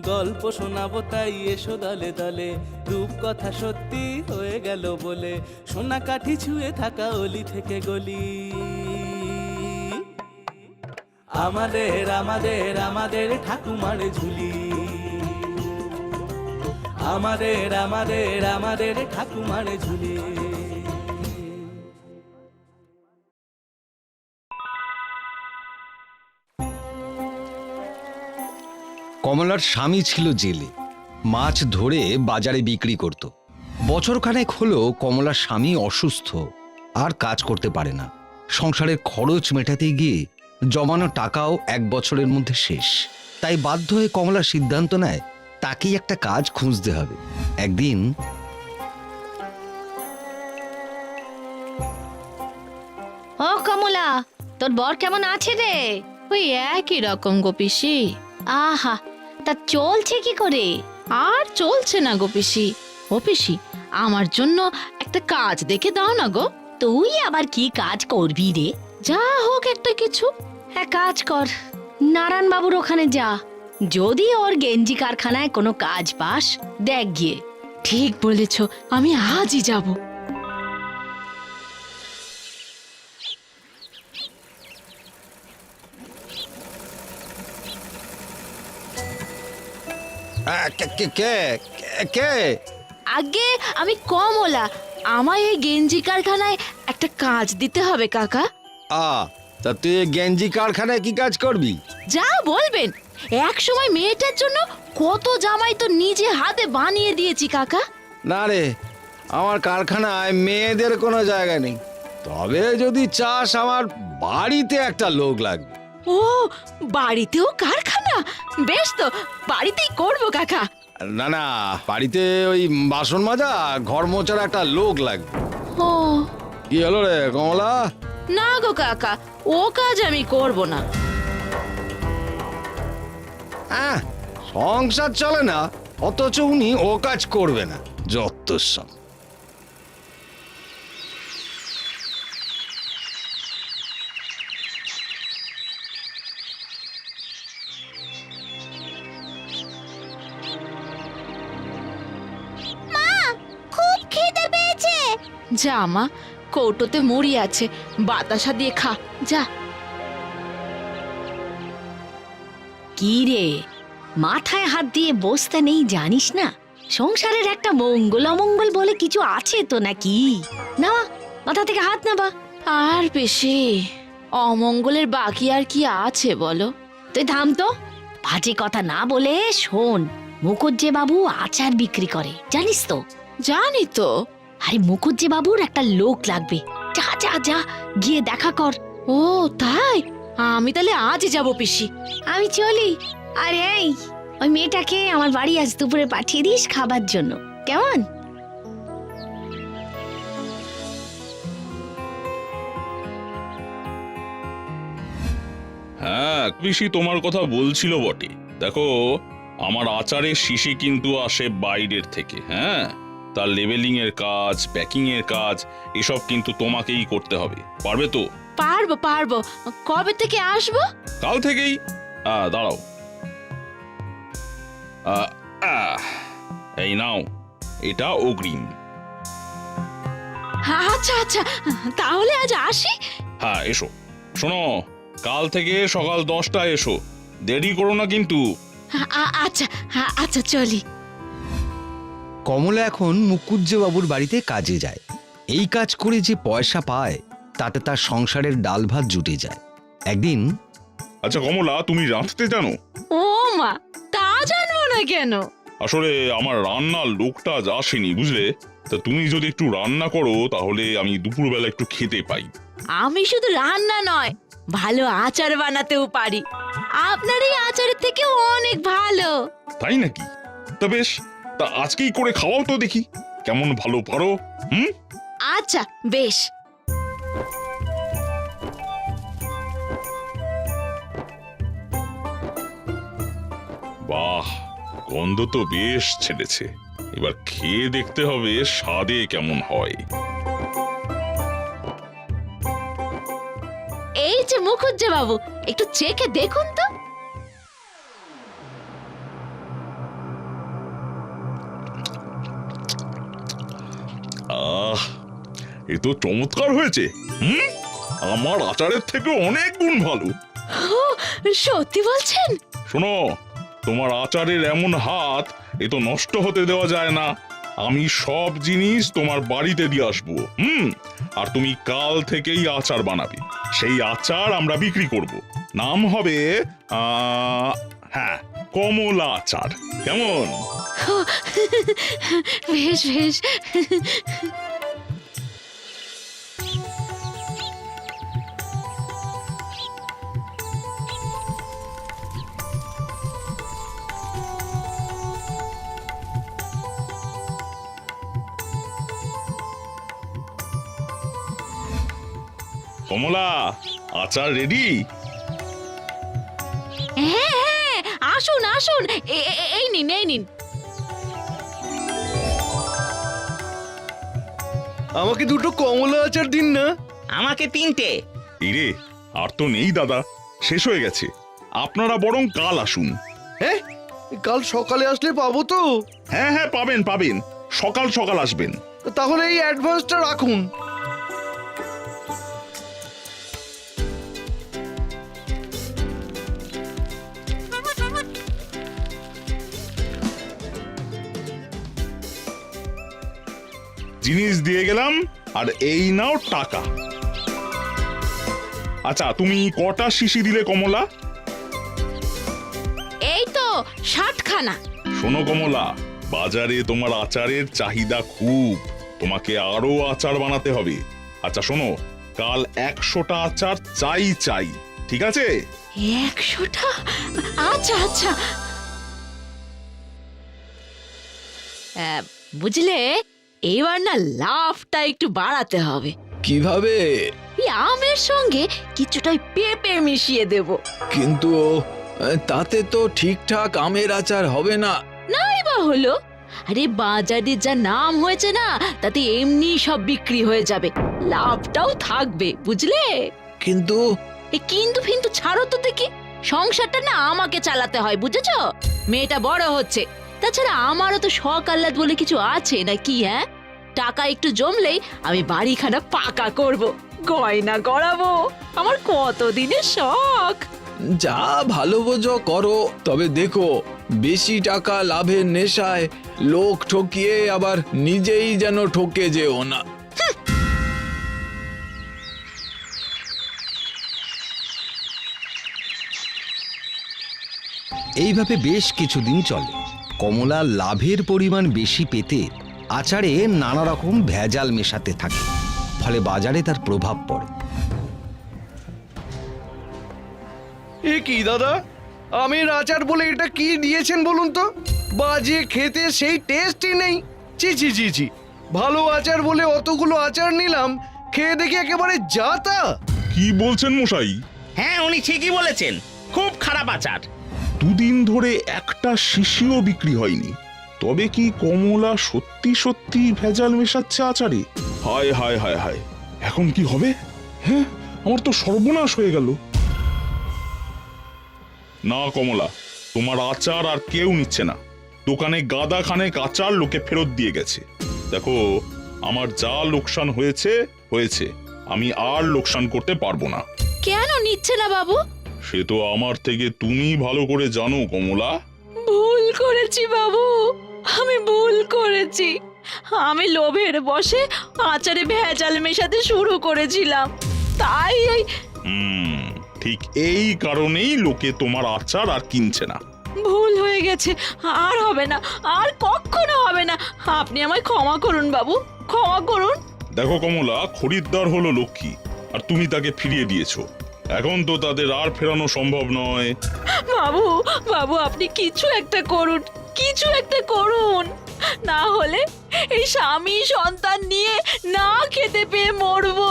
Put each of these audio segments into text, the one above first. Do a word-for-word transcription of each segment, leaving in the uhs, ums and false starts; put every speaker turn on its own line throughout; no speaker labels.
গল্প শোনাবো তাই এসো দলে দলে, রূপকথা সত্যি হয়ে গেল বলে, সোনা কাঠি ছুঁয়ে থাকা অলি থেকে গলি। আমাদের আমাদের আমাদের ঠাকুমার ঝুলি, আমাদের আমাদের আমাদের ঠাকুমার ঝুলি।
কমলার স্বামী ছিল জেলে, মাছ ধরে বাজারে বিক্রি করত। বছরখানেক হলো কমলার স্বামী অসুস্থ, আর কাজ করতে পারে না। সংসারের খরচ মেটাতে গিয়ে জমানো টাকাও এক বছরের মধ্যে শেষ। তাই বাধ্য হয়ে কমলা সিদ্ধান্ত নেয় তাকেই একটা কাজ খুঁজতে হবে। একদিন
ও কমলা, তোর বর কেমন আছে রে?
ওই একই রকম গো পিসি।
আহা, তা চলছে কি করে?
আর চলছে না গো পিসি। ও পিসি, আমার জন্য একটা কাজ দেখে দাও না গো।
তুই আবার কি কাজ করবি রে?
যা হোক একটা কিছু।
এক কাজ কর, নারায়ণ বাবুর ওখানে যা। যদি ওর গেঞ্জি কারখানায় কোনো কাজ পাস, দেখ গিয়ে।
ঠিক বলেছ, আমি আজই যাব।
কে?
আগে আমি কমলা, আমায় এই গেঞ্জি কারখানায় একটা কাজ দিতে হবে কাকা।
আ তা তুই গেঞ্জি কারখানায় কি কাজ করবি?
যা বলবেন। এক সময় মেয়েটার জন্য কত জামাই তো নিজে হাতে বানিয়ে দিয়েছি কাকা।
না রে, আমার কারখানায় মেয়েদের কোনো জায়গা নেই। তবে যদি চাস, আমার বাড়িতে একটা লোক লাগবে।
ও, বাড়িতেও কারখানা? বেশ তো, বাড়িতেই করবো কাকা।
না না, বাড়িতে ওই বাসন মাজা, ঘর মোছার একটা লোক লাগবে।
ও
কি হলো রে কমলা?
না গো কাকা, ও কাজ আমি করব না।
হ্যাঁ, সংসার চলে না, অথচ উনি ও কাজ করবে না। যত সব।
খুব খিদে পেয়েছে।
যা মা, কৌটোতে মুড়ি আছে, বাতাসা দিয়ে খা যা।
কি রে, মাথায় হাত দিয়ে বসতে নেই জানিস না? সংসারের একটা মঙ্গল অমঙ্গল বলে কিছু আছে তো নাকি? না, মাথা থেকে হাত নাবা।
আর বেশি অমঙ্গলের বাকি আর কি আছে বলো?
তুই থাম তো, বাজে কথা না বলে শোন। মুখুজ্জে বাবু আচার বিক্রি করে, জানিস তো?
জানি তো।
আরে মুখুজ্জে বাবুর একটা লোক লাগবে। যা যা যা, গিয়ে দেখা কর।
ও তাই? আমি তাহলে আজই যাব পিসি।
আমি চলি। আরে এই, ওই মেয়েটাকে আমার বাড়ি আজ দুপুরে পাঠিয়ে দিস খাবার জন্য, কেমন?
হ্যাঁ পিসি, তোমার কথা বলছিল বটে। দেখো, আমার আচারের শিশি কিন্তু আসে বাইরের থেকে। হ্যাঁ, তার লেবেলিং এর কাজ, প্যাকিং এর কাজ, এসব কিন্তু তোমাকেই করতে হবে। পারবে তো?
পারবো পারবো। কবে থেকে আসবো?
কাল থেকেই। আহ, দাঁড়াও, আহ, আহ, এই নাও, এটা অগ্রিম।
আচ্ছা আচ্ছা, তাহলে আজ আসি।
হ্যাঁ এসো। শোনো, কাল থেকে সকাল দশটায় এসো, দেরি করো না কিন্তু।
আচ্ছা আচ্ছা, চলি।
কমলা এখন মুকুজ্জে বাবুর বাড়িতে কাজে যায়। এই কাজ করে যে পয়সা পায়, তাতে তার সংসারের ডাল ভাত জুটে যায়। একদিন,
আচ্ছা কমলা, তুমি রাঁধতে জানো?
ও মা, তা জানবো না কেন?
আসলে আমার রান্নার লোকটা আজ আসেনি, বুঝলে? তা তুমি যদি একটু রান্না করো, তাহলে আমি দুপুরবেলা একটু খেতে পাই।
আমি শুধু রান্না নয়, ভালো আচার বানাতেও পারি। আপনার এই আচারের থেকে অনেক ভালো।
তাই নাকি? তা বেশ, তা আজকেই করে খাওয়াও তো দেখি, কেমন ভালো পারো। হুম,
আচ্ছা বেশ।
বাহ, গন্ধ তো বেশ ছেড়েছে। এবার খেয়ে দেখতে হবে স্বাদে কেমন হয়।
এই যে মুখুজ্জে বাবু, একটু চেখে দেখুন তো।
এ তো চমৎকার হয়েছে। হুম, আমার আচারের থেকে অনেক গুণ ভালো।
ও, সত্যি বলছেন?
শোনো, তোমার আচারের এমন হাত, এ তো নষ্ট হতে দেওয়া যায় না। আমি সব জিনিস তোমার বাড়িতে দিয়ে আসবো। হুম, আর তুমি কাল থেকেই আচার বানাবে। সেই আচার আমরা বিক্রি করব। নাম হবে আহ, হ্যাঁ, কমলা আচার। কেমন?
বেশ বেশ।
কমলা, আচার রেডি?
হ্যাঁ হ্যাঁ, আসুন আসুন, এ- এ- এই নিন এই নিন।
আমাকে দুটো কমলা আচার দিন না।
আমাকে তিনটে।
এই রে, আর তো নেই দাদা, শেষ হয়ে গেছে। আপনারা বরং কাল আসুন।
হ্যাঁ, কাল সকালে আসলে পাবো তো?
হ্যাঁ হ্যাঁ, পাবেন পাবেন, সকাল সকাল আসবেন।
তাহলে এই অ্যাডভান্সটা রাখুন।
জিনিস দিয়ে গেলাম, আর এই নাও টাকা। আচ্ছা, তুমি কটা শিশি দিলে কমলা?
এই তো ষাটখানা।
শোনো কমলা, বাজারে তোমার আচারের চাহিদা খুব, তোমাকে আরো আচার বানাতে হবে। আচ্ছা শোনো, কাল একশোটা আচার চাই চাই, ঠিক আছে?
একশোটা? আচ্ছা আচ্ছা। আহ, বুঝলে, এবার না লাভটা একটু বাড়াতে হবে।
কিভাবে?
এই আমের সঙ্গে কিছুটা ওই পেঁপে মিশিয়ে দেব।
কিন্তু আহ, তাতে তো ঠিকঠাক আমের আচার হবে না।
নাই বা হলো, আরে বাজারে যা নাম হয়েছে না, তাতে এমনি সব বিক্রি হয়ে যাবে, লাভটাও থাকবে, বুঝলে?
কিন্তু
এ কিন্তু ফিন্তু ছাড়ো তো দেখি, সংসারটা না আমাকে চালাতে হয়, বুঝেছো? মেয়েটা বড় হচ্ছে, তাছাড়া আমারও তো শখ আহ্লাদ বলে কিছু আছে নাকি? হ্যাঁ, টাকা একটু জমলেই আমি বাড়িখানা পাকা করব, গয়না গড়াবো, আমার কতদিনের শখ।
যা ভালো বোঝো করো, তবে দেখো বেশি টাকা লাভের নেশায় লোক ঠকিয়ে আবার নিজেই যেন ঠকে যেও না।
এইভাবে বেশ কিছুদিন চলে। কমলা লাভের পরিমাণ বেশি পেতে আচারে নানা রকম ভেজাল মেশাতে থাকে, ফলে বাজারে তার প্রভাব পড়ে।
এ কি দাদা, আমের আচার বলে এটা কি দিয়েছেন বলুন তো? বাজে খেতে, সেই টেস্টই নেই। ছি ছি ছি ছি, ভালো আচার বলে অতগুলো আচার নিলাম, খেয়ে দেখি একেবারে যা তা।
কি বলছেন মশাই?
হ্যাঁ, উনি ঠিকই বলেছেন, খুব খারাপ আচার।
দুদিন ধরে একটা শিশিও বিক্রি হয়নি, তবে কি কমলা সত্যি সত্যি ভেজাল মেশাচ্ছে আচারে? হায় হায় হায় হায়, এখন কি হবে? হ্যাঁ, আমার তো সর্বনাশ হয়ে গেল। না কমলা, তোমার আচার আর কেউ নিচ্ছে না। দোকানে গাদা খানেক আচার লোকে ফেরত দিয়ে গেছে। দেখো, আমার যা লোকসান হয়েছে হয়েছে, আমি আর লোকসান করতে পারবো না।
কেন নিচ্ছে না বাবু?
সে তো আমার থেকে তুমি ভালো করে জানো কমলা।
ভুল করেছি বাবু, আমি ভুল করেছি। আমি লোভের বশে আচারে ভেজাল মেশাতে শুরু করেছিলাম, তাই এই
হুম, ঠিক এই কারণেই লোকে তোমার আচার আর কিনছে না।
ভুল হয়ে গেছে, আর হবে না, আর কখনো হবে না। আপনি আমায় ক্ষমা করুন বাবু, ক্ষমা করুন।
দেখো কমলা, খরিদ্দার হলো লক্ষ্মী, আর তুমি তাকে ফিরিয়ে দিয়েছো। এখন তো তাদের আর ফেরানো সম্ভব নয়।
বাবু, বাবু আপনি কিছু একটা করুন, কিছু একটা করুন, না হলে এই স্বামী সন্তান নিয়ে না খেতে পেয়ে মরবো।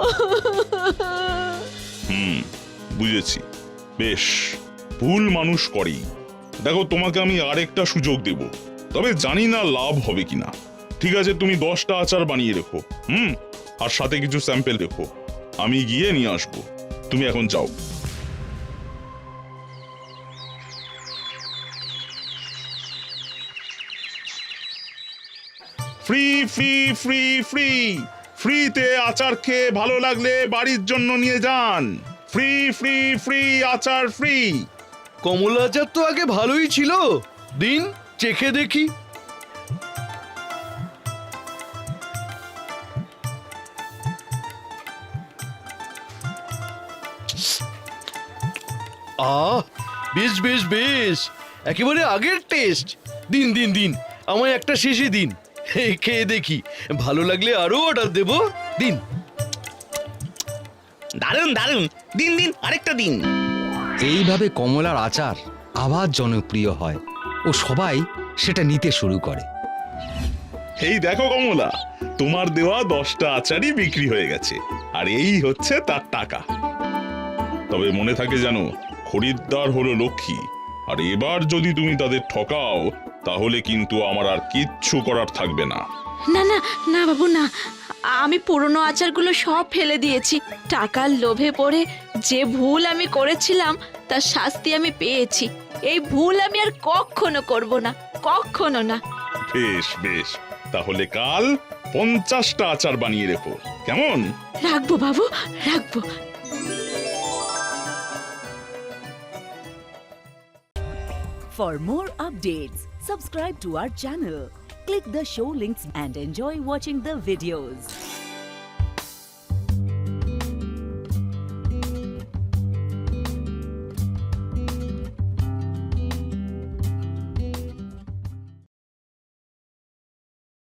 হুম, বুঝেছি। বেশ, ভুল মানুষ করেই। দেখো, তোমাকে আমি আরেকটা সুযোগ দেব, তবে জানি না লাভ হবে কিনা। ঠিক আছে, তুমি দশটা আচার বানিয়ে রেখো, হুম, আর সাথে কিছু স্যাম্পেল রেখো, আমি গিয়ে নিয়ে আসবো। তুমি এখন যাও। ফ্রি ফ্রি ফ্রি ফ্রি
ফ্রিতে আচার খেয়ে ভালো লাগলে বাড়ির জন্য নিয়ে যান। ফ্রি ফ্রি ফ্রি আচার ফ্রি।
কমলা আচার তো আগে ভালোই ছিল, দিন চেখে দেখি। আহ, বেশ বেশ বেশ, একেবারে আগের টেস্ট। দিন দিন দিন, আমায় একটা শেষে দিন, এই খেয়ে দেখি, ভালো লাগলে আরো অর্ডার দেবো। দিন।
দারুণ দারুণ, দিন দিন আরেকটা দিন।
এইভাবে কমলার আচার আবার জনপ্রিয় হয় ও সবাই সেটা নিতে শুরু করে।
এই দেখো কমলা, তোমার দেওয়া দশটা আচারই বিক্রি হয়ে গেছে, আর এই হচ্ছে তার টাকা। তবে মনে থাকে জানো, খরিদ্দার হলো লক্ষ্মী, আর এবার যদি তুমি তাদের ঠকাও তাহলে কিন্তু আমার আর কিচ্ছু করার থাকবে না।
না না না বাবু না, আমি পুরনো আচারগুলো সব ফেলে দিয়েছি। টাকার লোভে পড়ে যে ভুল আমি করেছিলাম তার শাস্তি আমি পেয়েছি। এই ভুল আমি আর কখনো করব না, কখনো না।
বেশ বেশ, তাহলে কাল পঞ্চাশটা আচার বানিয়ে রেখো, কেমন?
রাখবো বাবু, রাখবো।
For more updates, subscribe to our channel, click the show links and enjoy watching the videos.